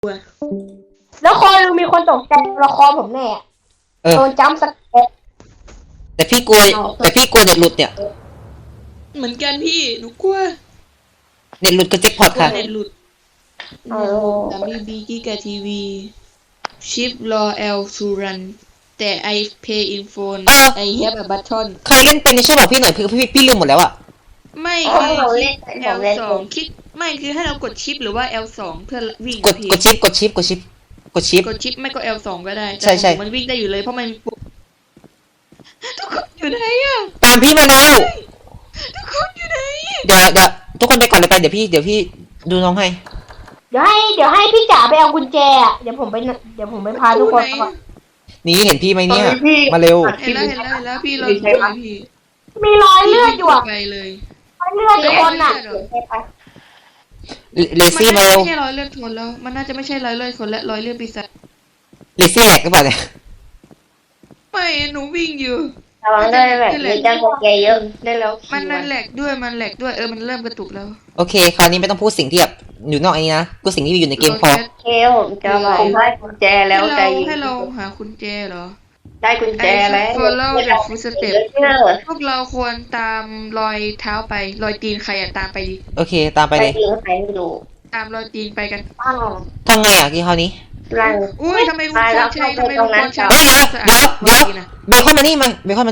แล้วคอยมีคนตกใจละครผมแน่โดนจัมป์สแกร์แต่พี่กลัวเน็ตหลุดเนี่ยเหมือนกันพี่หนูกลัวเน็ตหลุดก็เจ็บพอดค่ะเน็ตหลุดWB กิกะทีวีชิปรอ L to run แต่ I pay in phone I have a button ใครเล่นเป็นช่วยบอกพี่หน่อยพี่ลืมหมดแล้วอะไม่คือชิป L2 คลิกไม่คือให้เรากดชิปหรือว่า L2 เพื่อวิ่งกดชิปกดชิปไม่ก็ L2 ก็ได้ใช่มันวิ่งได้อยู่เลยเพราะมันทุกคนอยู่ไหนอะตามพี่มาแล้วทุกคนอยู่ไหนเดี๋ยวทุกคนไปก่อนเลยไปเดี๋ยวพี่ดูน้องให้เดี๋ยวให้พี่จ๋าไปเอากุญแจเดี๋ยวผมไปพาทุกคนนี่เห็นพี่ไหมเนี่ยมาเร็วเห็นแล้วพี่เราพี่มีรอยเลือดอยู่ไปเลยรอยเลือดคนอ่ะเลซี่มาเร็วไม่ใช่รอยเลือดคนแล้วมันน่าจะไม่ใช่รอยเลือดคนและรอยเลือดปีศาจเลซี่แหลกหรือเปล่าเนี่ยไม่หนูวิ่งอยู่ระวังได้แบบมีจังหวะแกเยอะได้แล้วมันแหลกด้วยมันเริ่มกระตุกแล้วโอเคคราวนี้ไม่ต้องพูดสิ่งที่แบบอยู่นอกอันนี้นะพูดสิ่งที่อยู่ในเกมพอผมจะผมได้กุญแจแล้วใจให้เราหากุญแจเหรอได้กุญแจแล้วพวกเราควรตามรอยเท้าไปรอยตีนใครตามไปดิโอเคตามไปเลยตามรอยตีนไปกันทำไงอ่ะกี่คราวนี้อุ้ยทำไมลุงควรใช้เดี๋ยวเบคอนมานี่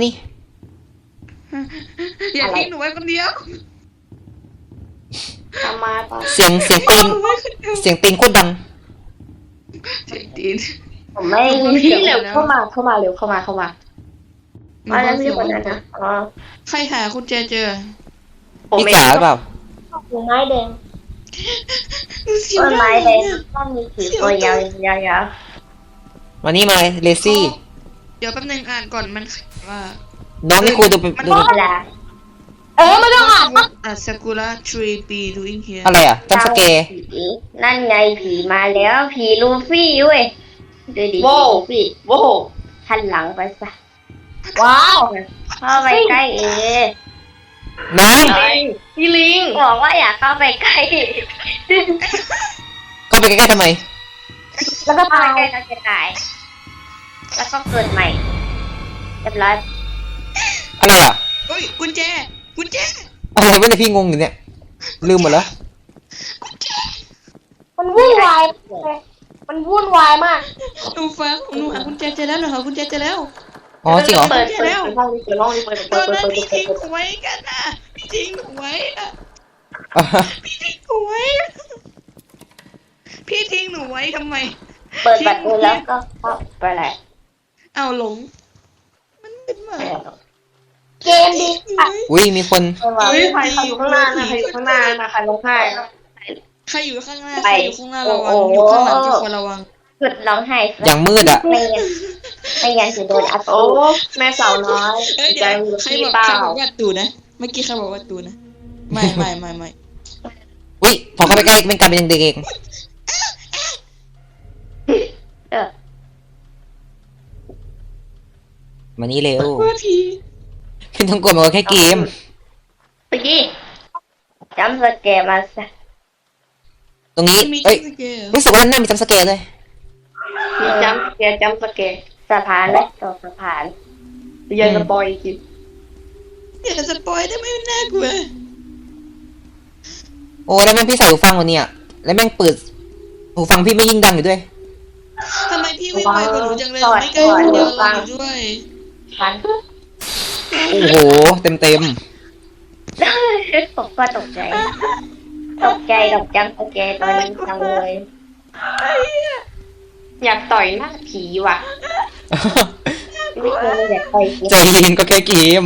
อย่าทิ้งหนูไว้คนเดียวเสียงตีนโคตรดังเสียงตีนผมไม่พี่เร็วเข้ามาเร็วเข้ามาแล้วพี่คนนั้นนะใครหาคุณเจเจอพี่จ๋าหรือเปล่าต้นไม้แดงต้องมีผีตัวยาวมานี่มาเลซี่เดี๋ยวแป๊บนึงอ่านก่อนมันว่าน้องนี่คุยดูเป็นไม่ต้องอ่านซากุระ tree be doing here อะไรอ่ะจัมป์สแกร์นั่นไงผีมาแล้วผีลูฟี่เว้ยดูดิพี่หันหลังไปซะว้าวเข้าไปใกล้น้องพี่ลิงบอกว่าอยากเข้าไปใกล้เข้าไปใกล้ๆทำไมแล้วก็ตายแล้วจะตายแล้วก็เกิดใหม่เรียบร้อยอะไรอ่ะเฮ้ยกุญแจอะไรวะเนี่ยพี่งงอยู่เนี่ยลืมหมดแล้วมันวุ่นวายมากหนูหากุญแจเจอแล้วอ๋อจริงเหรอตอนนั้นพี่ทิ้งหวยกันนะพี่ทิ้งหวยทำไมเปิดประตูแล้วก็เข้าไปแหละเอาหลงมันเป็นมาเกมดีอุ้ยมีคนใครอยู่ข้างหน้านะใครอยู่ข้างหน้านะใครลงไห้ใครอยู่ข้างหน้าระวังอยู่ข้างหลังทุกคนระวังหยุดร้องไห้อย่างมืดอ่ะไม่งั้นจะโดนอัดโอ้แม่สาวน้อยใจใครบอกว่าตูนะเมื่อกี้ใครบอกว่าตูนะไม่อุ้ยพอเข้าไปใกล้เป็นการเป็นเด็กเองมานี่เร็วพี่ต้องกดมาแค่เกมไปดิจำสแกร์มาซะตรงนี้เอ้ยรู้สึกว่าน่ามีจัมป์สแกร์เลยมีจำสแกร์สะพานเลยต่อสะพานอย่าสปอยกินอย่าสปอยได้ไหมน่ากลัวโอ้แล้วแม่งพี่ใส่หูฟังวันนี้อ่ะแล้วแม่งเปิดหูฟังพี่ไม่ยิ่งดังอยู่ด้วยทำไมพี่ไม่ไวกว่าหนูจังเลยไม่ใกล้คนเดียวเราอยู่ด้วยโอ้โหเต็มผมก็ตกใจจังโอเคตอนนี้จังเลยอยากต่อยหน้าผีว่ะไม่เคยอยากต่อยใจเย็นก็แค่เกม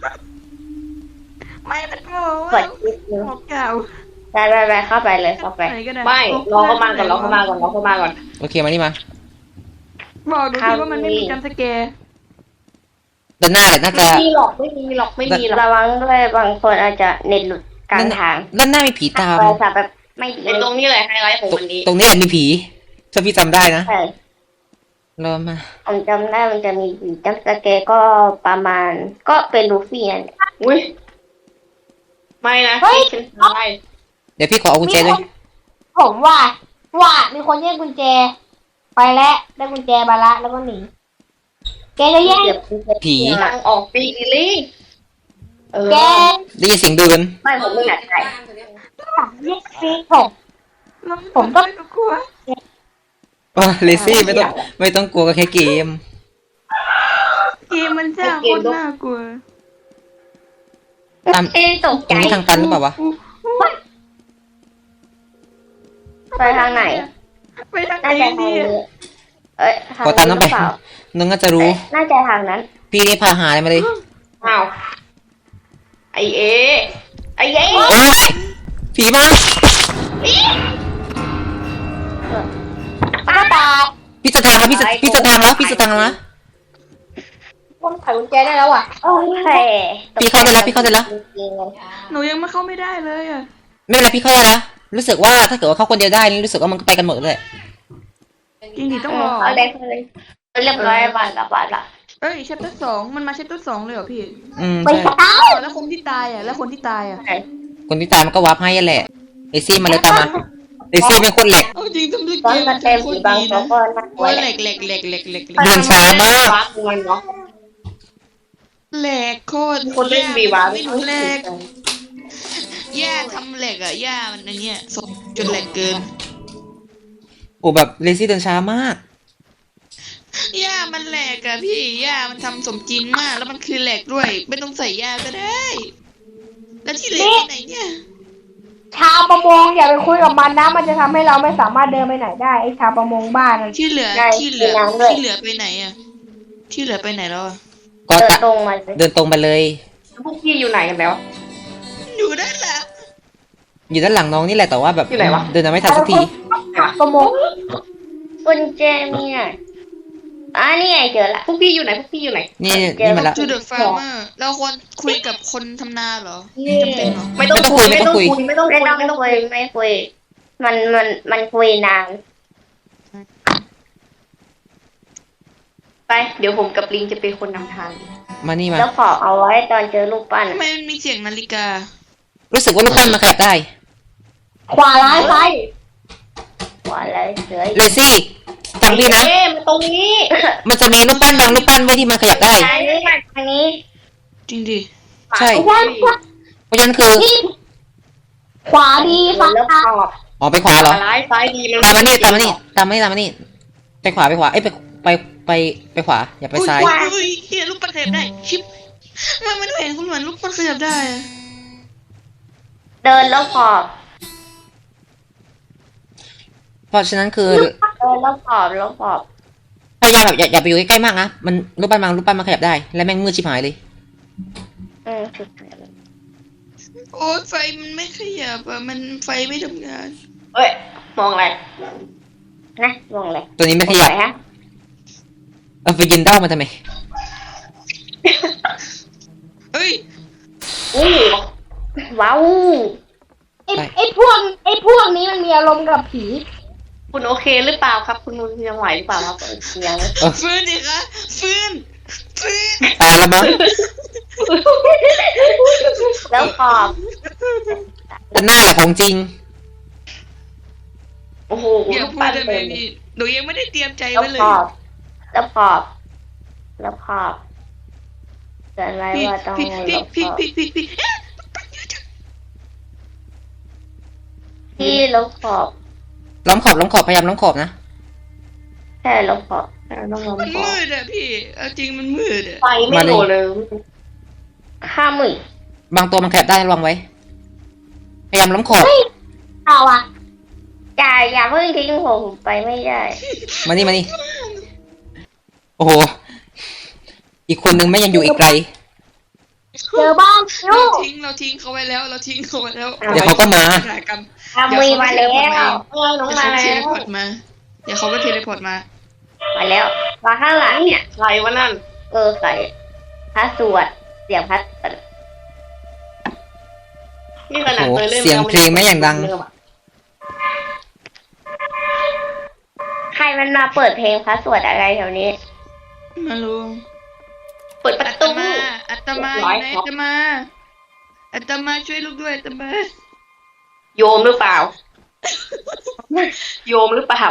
ไม่เป็นโง่กดคลิปนึงเก่าไปเข้าไปเลยเข้าไปไม่รอเข้ามาก่อนโอเคมานี่มาบอกดูสิว่ามันไม่มีจัมป์สแกร์ด้านหน้าแหละน่าจะไม่มีหรอกระวังด้วยบางคนอาจจะเน็ตหลุดกลางทางด้านหน้ามีผีตามแบบไม่ดีตรงนี้เลยไฮไลท์ของวันนี้ตรงนี้แหละมีผีถ้าพี่จำได้นะเริ่มมาผมจำได้มันจะมีผีจัมป์สแกร์ก็ประมาณก็เป็นลูฟี่นั่นอุ้ยไม่นะเฮ้ยเดี๋ยวพี่ขอเอากุญแจด้วยผมว่าว่ามีคนแย่งกุญแจ ไปแล้วได้กุญแจมาละแล้วก็หนีแกจะแย่งผีทางออกปีกลี่แกได้ยินเสียงเดินไม่ผมไม่อยากใส่แย่งซีผมก็กลัวเลซี่ไม่ต้องกลัวก็แค่เกมเกมมันจ้าโคตรน่ากลัวตามตกตรงนี้ทางตันหรือเปล่าวะไปทางไหนไปทางไหนน่าจะทางดีนี้เอ้ยทางขอตามน้องไปหรือเปล่านึงก็จะรู้น่าจะทางนั้นพี่ได้พาหาอะไรมาเลยอ้าวไอเอไอเอโอ้ยผีมาป้าตายพี่จะทางแล้วพี่จะทางแล้วคนไขกุญแจได้แล้วอ่ะโอเคพี่เข้าได้แล้วหนูยังไม่เข้าไม่ได้เลยอ่ะไม่เป็นไรพี่เข้าได้แล้วรู้สึกว่าถ้าเกิดว่าเข้าคนเดียวได้นี่รู้สึกว่ามันก็ไปกันหมดเลยจริงดิต้องรอเอาเลยเรียบร้อยบานละเอ้ยเชปเตอร์2มันมาเชปเตอร์2เลยเหรอพี่ไปใช่ตายแล้วคนที่ตายอ่ะคนที่ตายมันก็วาร์ปให้แหละเลซี่มาเลยตามมาเลซี่เป็นคนแหลกเอาจริงทำด้วยตอนเกมมาเต็มสีบางตัวก็น่ากลัวโอ้ยแหแหลละกแหลกแหลกแหลกแหลกเดินช้ามากวัดมันเนาะแหลกโคตรคนเล่นวีวาไม่รู้แหลกย่าทำแหลกอ่ะย่ามันอันเนี้ยสดจนแหลกเกินโอ้แบบเลซี่เดินช้ามากย่ามันแหลกอะพี่ย่ามันทำสมจริงมาก แล้วมันคือแหลกด้วย ไม่ต้องใส่ย่าก็ได้ แล้วที่เหลือที่ไหนเนี่ยชาวประมงอย่าไปคุยกับมันนะมันจะทำให้เราไม่สามารถเดินไปไหนได้ไอ้ชาวประมงบ้านนั่นที่เหลือไปไหนอะที่เหลือไปไหนแล้วอะก็เดินตรงมาสิเดินตรงไปเลยพวกพี่อยู่ไหนกันแล้วอยู่ด้านหลังอยู่ด้านหลังน้องนี่แหละแต่ว่าแบบอยู่ไหนวะเดินไม่ทันสักทีประมงกุญแจมีอ่ะนี่ไงเจอละพวกพี่อยู่ไหนพวกพี่อยู่ไหนนี่มาละจูเดอะฟาร์เมอร์เราควรคุยกับคนทำนาเหรอจำเป็นเหรอไม่ต้องคุยไม่คุยมันคุยนานไปเดี๋ยวผมกับลิงจะเป็นคนนำทางมานี่มาแล้วขอเอาไว้ตอนเจอลูกปั้นทำไมมันมีเสียงนาฬิการู้สึกว่าลูกปั้นมาขยับได้ขวาร้ายซ้ายว่าอะไรเสือเลซี่ฟังพี่นะมาตรงนี้มันจะมีลูกปั้นบางลูกปั้นไว้ที่มันขยับได้ทางนี้มาทางนี้จริงดิใช่ขวาเพราะฉะนั้นคือขวาดีฝั่งแล้วขซ้ายอบอ๋อไปขวาเหรอซ้ายซ้ายดีมันตามมานี่ไปขวาเอ้ยไปขวาอย่าไปซ้ายอุ้ยเฮียลูกปั้นขยับได้ ชิปมันเห็นคุณเหมือนลูกปั้นขยับได้อะเดินแล้วขอบเพราะฉะนั้นคือเดินแล้วขอบแล้วขอบพยายามแบบอย่าไปอยู่ใกล้ๆมากนะมันรูปปั้นมันขยับได้และแม่งมืดชิบหายเลยถูกโอ้ยไฟมันไม่ขยับอะมันไฟไม่ทำงานเฮ้ยมองอะไรนะมองอะไรตัวนี้ไม่ขยับฮะเอาไปยินด้ามาทำไมเฮ้ยว้าวไอ้พวกนี้มันมีอารมณ์กับผีคุณโอเคหรือเปล่าครับ คุณยังไหวหรือเปล่าครับยังฟื้นดิคะฟื้นตายแล้วมั้งแล้วขอบแต่หน้าแหละของจริงโอ้โหอย่าพูดได้ไหมพี่หนูยังไม่ได้เตรียมใจแล้วไว้เลยขอบแล้วขอบแล้วขอบเตือนไว้พี่ว่าต้องพี่ลพี่บขพี่อบพี่พี่พี่พี่ลบขอบล้อมขอบพยายามล้อมขอบนะแค่ลบขอบแค่ต้องลบมันขอบมืดอะพี่เอาจริงมันมืดอะไฟไม่โหลเลยข้ามึงบางตัวมันขยับได้ระวังไว้ พยายามล้อมขอบเอาอะอย่าเพิ่งทิ้งผมไปไม่ได้มานี่โอ้โหอีกคนนึงไม่ยังอยู่อีกไกลเจอบ้างเราลูกทิ้งเขาไว้แล้วเราทิ้งเขาไว้แล้วเดี๋ยวเขาก็มาหายกรรมข้ามึงมาแล้วน้องเดี๋ยวมาเขาเทแล้เลวพอร์ตมาเดี๋ยวเขาก็เทเลพอร์ตมามาแล้วมาข้างหลังเนี่ยใครวะนั่นใครพระสวดเสียงพัดนี่ขนาดโอ้โหเคยเล่นเสียงเพลงไม่อย่างดังใครมันมาเปิดเพลงพระสวดอะไรแถวนี้มาลุงเปิดประอัตตูมาอัตมาอยู่ไหนอัตมาช่วยลูกด้วยอัตมาโยมหรือเปล่าโยมหรือเปล่า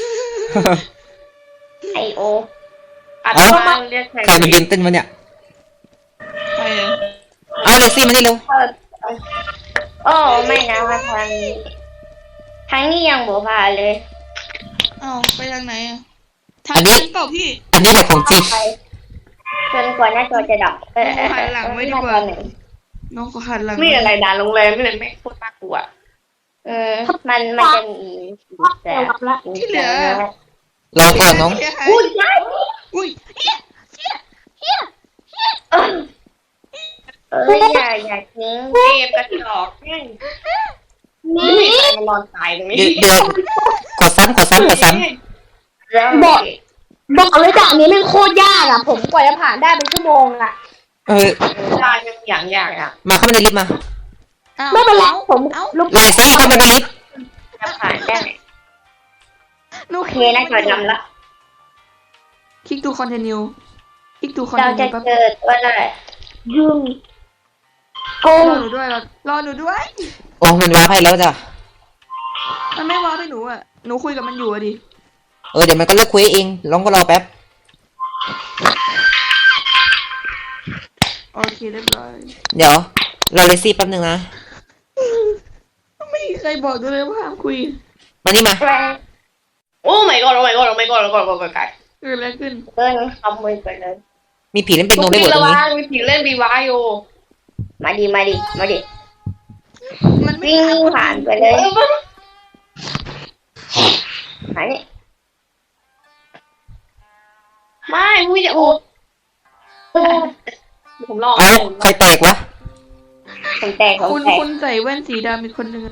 ไอโออาตเอ้ามาเรียกใครใครมายืนเต้นวะเนี่ยใครอะเอาเลซี่มานี่เร็วโอ้ไม่นะว่าทางนี้ทางนี้ยังบ่ผ่านเลยเอ้าไปทางไหนอะทางนั้นเปล่าพี่อันนี้แหละของจริงไปจนกว่าหน้าจอจะดับหน้าจอไหนน้องก็หันหลังนี่อะไรด่าโรงแรมนี่เลยไม่โคตรน่ากลัวมันจะมีแต่ที่เหลือรอก่อนน้องอุ้ยใช่อุ้ยอย่าทิ้งเกมกระจอกแม่งนี่ใครมานอนตายตรงนี้เดี๋ยวขอซ้ำแล้วบอกเลยด่านนี้แม่งโคตรยากอ่ะ ผมกว่าจะผ่านได้เป็นชั่วโมงอ่ะเออตายยังอย่างยากอ่ะมาเข้ามาในลิฟต์มาไม่เป็นไรผมเอ้าลุกเลซี่เข้ามาในลิฟต์จะผ่านได้หนูโอเคนะจอดำละคลิกทูคอนเทนิวคลิกทูคอนเราเทนิจะวแป๊บเจอตัวอะไรยุ่งโกรง อหนูด้วยรอหนูด้วยโอ้มันว้าให้แล้วจ้ะมันไม่ว้าไปหนูอ่ะหนูคุยกับมันอยู่อะดิเดี๋ยวมันก็เลิกคุยเองลองก็รอแป๊บโอเคเรียบร้อยเดี๋ยวรอเลซี่แป๊บนึงนะไม่มีใครบอกด้วยเลยว่าห้ามคุยมานี่มาโอ้ my god โอ้ my god โอ้ my god โอ้ my god โอ้ my god เกิดอะไรขึ้นเดินขโมยไปเลยมีผีเล่นเป็นโนทุกได้ทีหมดตรระงวันี้งมีผีเล่นบีวายอยู่มาดิมันไม่วิ่งผ่านไปเลยหายนี่ไม่มุ้ยจะโอ้ผมลองเอ้าใครแตกวะผมแตกคุณใส่แว่นสีดำอีกคนนึงอะ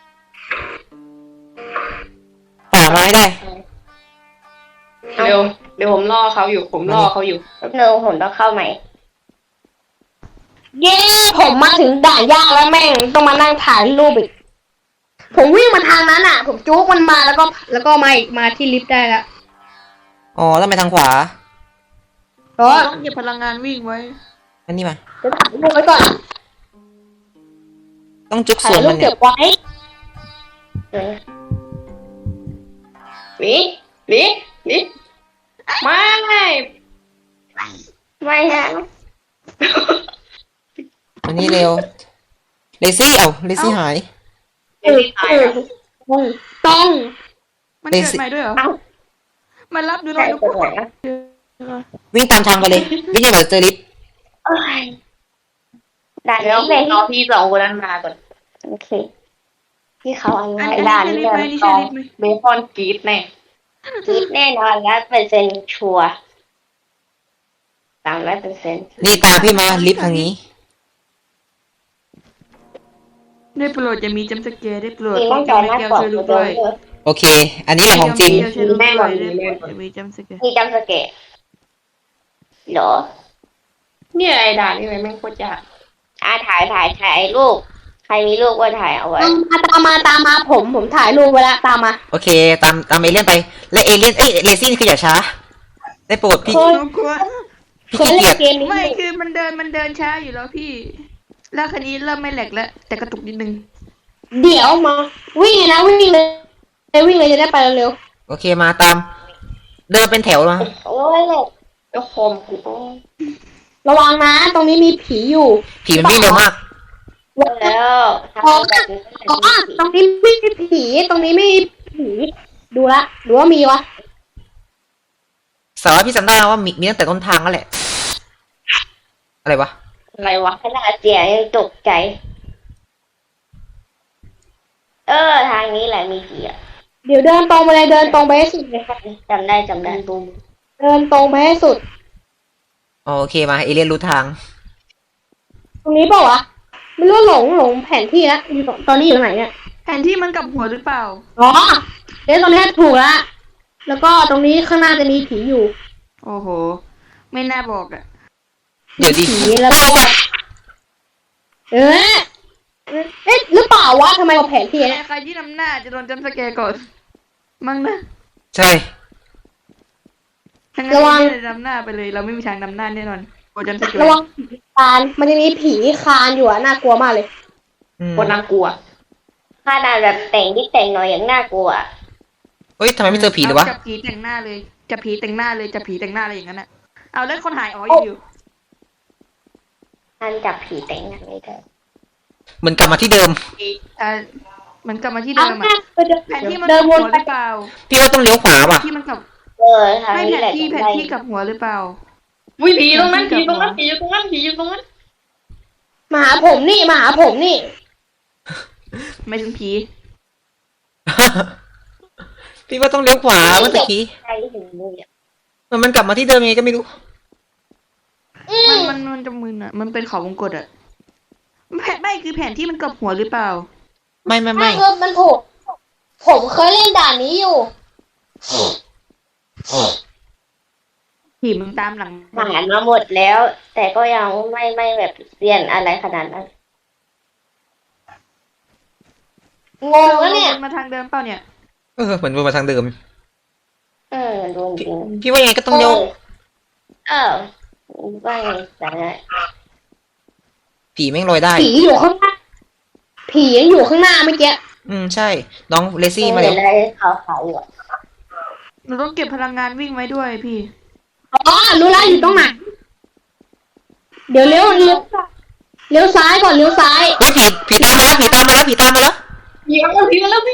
หามาให้ได้เร็วเดี๋ยวผมล่อเขาอยู่ผมล่อเขาอยู่เนอผมต้องเข้าใหม่เย้ผมมาถึงด่านยากแล้วแม่งต้องมานั่งถ่ายรูปอีก ผมวิ่งมาทางนั้นอ่ะ ผมจุกมันมาแล้วก็มาที่ลิฟต์ได้แล้วอ๋อต้องไปทางขวาก็ต้องเก็บพลังงานวิ่งไว้อันนี้มาจะถ่ายรูปไว้ก่อนต้องจุกถ่าส่ยวนรูมัปนเนี่เก็ยบไว้หนีหนีหนีไม่ไม่ฮะอันนี้เร็วเลซี่เลซี่หายเดี๋ยวตายแล้วต้องมันเกิดใหม่ด้วยเหรอ มันรับดูหน่ใช่อยดูตัวไหนวิ่งตามทางไปเลยวิ่งยังไงเจอลิฟต์ด่านเดี๋ยวนี้เลยรอพี่สองคนนั้นมาก่อนโอเคที่เขาเอาอันไว้นี้ด่านใช่นี้ลิฟต์ไหมเลยนี่ใช่ลิฟต์ไหมเบคอนกรีดแน่คิดแน่นอน100%ชัวร์300% นี่ตามพี่มาลิฟต์ทางนี้ได้โปรดอย่ามีจำสเกร์ได้โปรดมีป้ต้ออง งกัจนอไม่หน้าแก้วปอดช่วยลูกด้ด้ววย ยโอเค อันนี้แหละของจริงแก้วช่วยลูกด้วยอย่ามีจำสเกร์มีจำสเกตเหรอเนี่ยไอ้ด่านนี่เลยแม่งโคตรยากถ่ายรูปใครมีรูปก็ถ่ายเอาไว้ตามมาผมถ่ายรูปไว้แล้วตามมาโอเคตามเอเลี่ยนไปและเอเลี่ยนเลซี่คืออย่าช้าได้โปรดพี่หนูกลัวพี่เคยขี้เล่เกียจนเกมนี้ไม่คือมันเดินช้าอยู่แล้วพี่ แล้วคันนี้เริ่มไม่แหลกแล้ว แต่กระตุกนิดนึงเดี๋ยวมาวิ่งเลยนะวิ่งเลยจะได้ไปเร็วโอเคมาตาม เดินเป็นแถวมาโอ้ยแล้วคอมกูโอ้ๆระวังนะตรงนี้มีผีอยู่ผีมันวิ่งเร็วมากแล้วทำแบบนี้อ๋อตรงนี้ไม่มีผีตรงนี้ไม่มีผีดูละหรือว่ามีวะสารวัตรพี่จำได้ว่ามีตั้งแต่ต้นทางนั่นแหละ อะไรวะอะไรวะขนาดเสียงยังตกใจ ทางนี้แหละมีผีอ่ะเดี๋ยวเดินตรงไปเลยเดินตรงไปให้สุดเลยค่ะจำได้เดินตรงไปให้สุดอ๋อโอเคมาเอเลี่ยนรู้ทางตรงนี้เปล่าวะไม่รู้หลงแผนที่แล้วอยู่ตอนนี้อยู่ตรงไหนเนี่ยแผนที่มันกลับหัวหรือเปล่าอ๋อเดี๋ยวตรงนี้ถูกละแล้วก็ตรงนี้ข้างหน้าจะมีผีอยู่โอ้โห ไม่น่าบอกอ่ะเดี๋ยวดิผีแล้วก็เอ๊ะหรือเปล่าวะทำไมเอาแผนที่เนี่ยใครที่นำหน้าจะโดนจำสแกร์ก่อน มั้งนะใช่ทั้งนั้นที่นำหน้าไปเลย เราไม่มีทางนำหน้าแน่นอนโดนจำสแกร์ระวังผีคานมันจะมีผีคานอยู่อะน่ากลัวมากเลยอืมโคตรน่ากลัวขนาดแบบแต่งนิดแต่งหน่อยยังน่ากลัวเฮ้ยทำไมไม่เจอผีเลยวะจับผีแต่งหน้าเลยจับผีแต่งหน้าเลยจับผีแต่งหน้าอะไรอย่างนั้นอะเอาแล้วคนหายอ๋ออยู่ท่านจับผีแต่งหน้าไม่ได้เหมือนกลับมาที่เดิมมันกลับมาที่เอาเดิมแม่อะไปเดินแผนที่มันเดิกนลับวหันวไปหรือเปล่าพี่ว่าต้องเลี้ยวขวาว่ะที่มันกลับทางไม่นี้แผแหนละที่ต้องแผนไล่ที่กลับหัวหรือเปล่าวิ่งผีตรงนั้นผีตรงนั้นผีอยู่ตรงนั้นผีอยู่ตรงนั้นมาหาผมนี่มาหาผมนี่ไม่ถึงผีพี่ว่าต้องเลี้ยวขวาเมื่อกี้ใครถึงมือมันกลับมาที่เดิมยังไงก็ไม่รู้มันจะมึนอะมันเป็นเขาวงกตอะแผนไม่คือแผนที่มันกลับหัวหรือเปล่าไม่มันถูกผมเคยเล่นด่านนี้อยู่ผีมึงตามหลังผ่านมาหมดแล้ว แต่ก็ยังไม่แบบเรียนอะไรขนาดนั้นงงแล้วเนี่ยมาทางเดิมเปล่าเนี่ยเหมือนวนมาทางเดิมโดนจริงพี่ว่ายังไงก็ต้องเลี้ยวว่าไงแต่ผีแม่งลอยได้ผีอยู่ข้างหน้าผียังอยู่ข้างหน้าเมื่อกี้ใช่ น้องเลซี่มาเห็แล้นวอะไรขาวๆอยู่เราต้องเก็บพลังงานวิ่งไว้ด้วยพี่อ๋อรู้แล้วอยู่ตรงไหนเดี๋ยวเลี้ยวซ้ายก่อนเลี้ยวซ้ายเฮ้ยผีตามมาแล้วผีตามมาแล้วผีตามมาแล้วผีมาแล้วผีมาแล้ววิ่ง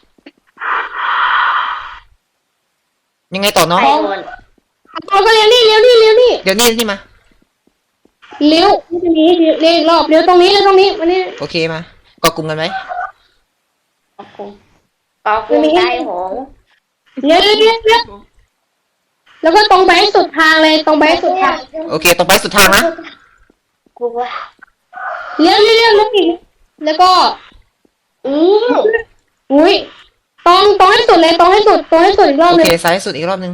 ยังไงต่อน้องใครโดนเราก็เลี้ยวนี่เลี้ยวนี่เลี้ยวนี่เดี๋ยวนี่มาเลี้ยวตรงนี้เลี้ยวอีกรอบเลี้ยวตรงนี้เลี้ยวตรงนี้มานี่โอเคมาเกาะกลุ่มกันไหมก็คุมใจหงเลี้ยวแล้วก็ตรงไปให้สุดทางเลยตรงไปให้สุดทางโอเคตรงไปสุดทางนะกลัวเลี้ยวอีกแล้วก็อุ้ยตรงให้สุดเลยตรงให้สุดอีกรอบโอนึเคงซ้ายสุดอีกรอบนึง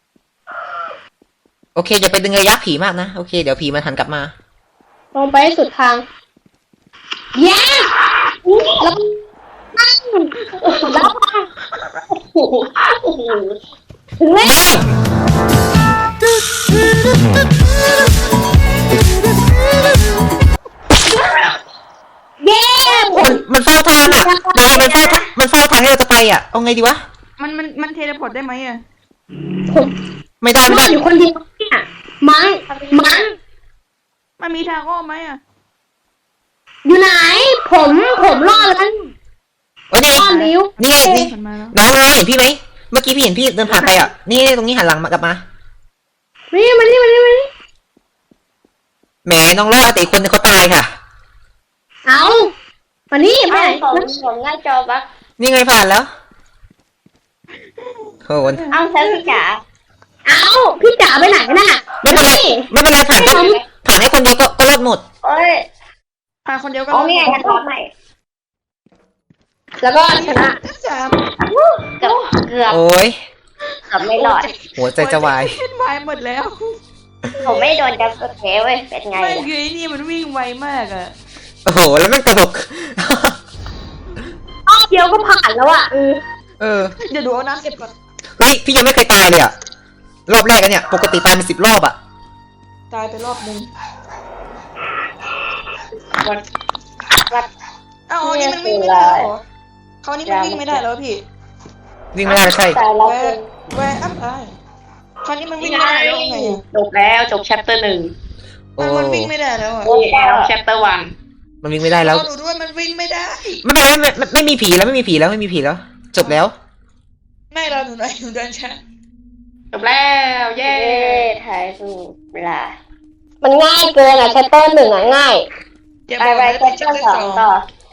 โอเคอย่าไปดึงระยะผีมากนะโอเคเดี๋ยวผีมันหันกลับมาตรงไปให้สุดทางแย่แล้วนั่งแล้วโอ้โหโอ้โหถึงแล้วเย้ผมมันเฝ้าทางอ่ะมันเฝ้าทางที่เราจะไปอ่ะเอาไงดีวะมันเทเลพอร์ตได้ไหมอะผมไม่ได้รอดอยู่คนเดียวเนี่ยมั้งมันมีทางอ้อมไหมอะอยู่ไหน ผมรอดแล้วโอ้นี่รอดลิ้วนี่ไงนี่มันมาแล้วน้องเห็นพี่ไหมเมื่อกี้พี่เห็นพี่เดินผ่านไปอ่ะนี่ตรงนี้หันหลังมากลับมานี่มานี่แหมน้องรอดแต่อีกคนนึงเขาตายค่ะเอามานี่ไปไหนผมหน้าจอบักนี่ไงผ่านแล้วโหเอ้าฉันจ๋าเอาพี่จ๋าไปไหนน่ะไม่เป็นไรไม่เป็นไรผ่านให้คนเดียวก็รอดหมดโอ้ยพาคนเดียวก็โอ้นี่ไงฉันทำใหม่แล้วก็ชนะสามเกือบโอ้ยไม่รอดหัวใจจะวายเล่นวายหมดแล้วผมไม่โดนจับกระเทเว้ยเป็นไงไม่ล่ะคือไอ้นี่มันวิ่งไวมากอะโอ้โหแล้วมันกระดกรอบเดียวก็ผ่านแล้วอ่ะเดี๋ยวดูเอาน้ำเก็บก่อนเฮ้ยพี่ยังไม่เคยตายเลยอ่ะรอบแรกอะเนี่ยปกติตายเป็น10 รอบอ่ะตายไปรอบนึงวัดอ้าวอันนี้มันวิ่งไม่ได้แล้วเหรอเขาวนี่มันวิ่งไม่ได้แล้วพี่วิ่งไม่ได้ใช่ตายแล้วแวร์อัพไอคราวนี้มันวิ่งไม่ได้แล้วไงอะจบแล้วจบ chapter 1 โอ้มันวิ่งไม่ได้แล้วอะนี่แล้ว chapter มันวิ่งไม่ได้แล้วรอดูด้วยมันวิ่งไม่ได้ไม่เป็นไรไม่มีผีแล้วไม่มีผีแล้วจบแล้วไม่รอหนูหน่อยหนูเดินช้า 1จบแล้วเย้เย้ถ่ายรูปเวลามันง่ายเกินอ่ะแชตเตอร์หนึ่งอ่ะง่ายอย่าไปบอกไปนะแค่เป็นเจ้า chapter สองต่อ